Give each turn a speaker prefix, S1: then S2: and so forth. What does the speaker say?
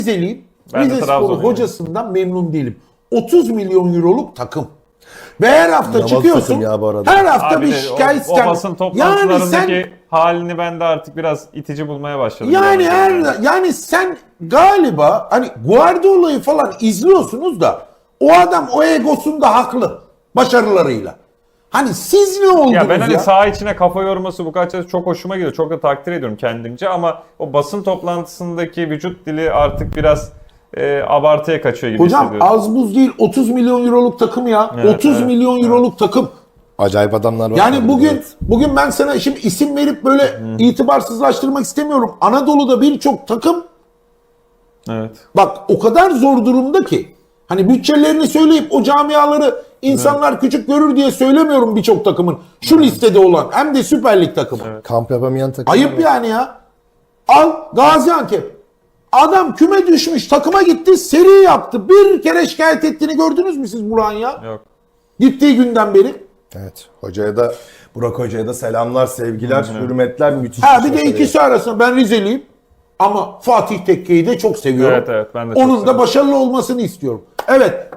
S1: Rizeliyim.
S2: Ben de
S1: Rizespor
S2: Trabzonluyum.
S1: hocasından memnun değilim. 30 milyon euroluk takım. Ve her hafta
S3: İnanılmaz
S1: çıkıyorsun.
S3: takım ya bu arada.
S1: Her hafta
S2: Abi
S1: bir
S2: de
S1: şikayet
S2: o basın toplantılarındaki
S1: yani
S2: halini ben de artık biraz itici bulmaya başladım.
S1: yani sen galiba hani Guardiola'yı falan izliyorsunuz da o adam o egosunda haklı başarılarıyla. Hani siz ne oldunuz
S2: Ya ben hani
S1: ya?
S2: saha içine kafa yorması bu kadar çok hoşuma gidiyor. Çok da takdir ediyorum kendimce ama o basın toplantısındaki vücut dili artık biraz abartıya kaçıyor gibi
S1: Hocam
S2: hissediyorum.
S1: az buz değil 30 milyon euroluk takım ya.
S2: Evet,
S1: 30
S2: evet,
S1: milyon euroluk takım.
S3: Acayip adamlar var.
S1: Yani
S3: tabii, evet.
S1: bugün ben sana şimdi isim verip böyle itibarsızlaştırmak istemiyorum. Anadolu'da birçok takım
S2: Evet.
S1: bak o kadar zor durumda ki. Hani bütçelerini söyleyip o camiaları insanlar küçük görür diye söylemiyorum birçok takımın. Şu listede olan hem de Süper Lig takımı.
S3: Kamp yapamayan takım.
S1: Ayıp yani ya. Al Gaziantep. Adam küme düşmüş takıma gitti seri yaptı. Bir kere şikayet ettiğini gördünüz mü siz Burak'ın ya?
S2: Yok.
S1: Gittiği günden beri.
S3: Evet. Hocaya da Burak Hoca'ya da selamlar, sevgiler, hürmetler, müthiş.
S1: Ha bir
S3: şey
S1: de
S3: başarıyor.
S1: ikisi arasında ben Rizeliyim. Ama Fatih Tekke'yi de çok seviyorum.
S2: Evet, ben de çok
S1: Onun da
S2: seviyorum.
S1: başarılı olmasını istiyorum. Evet.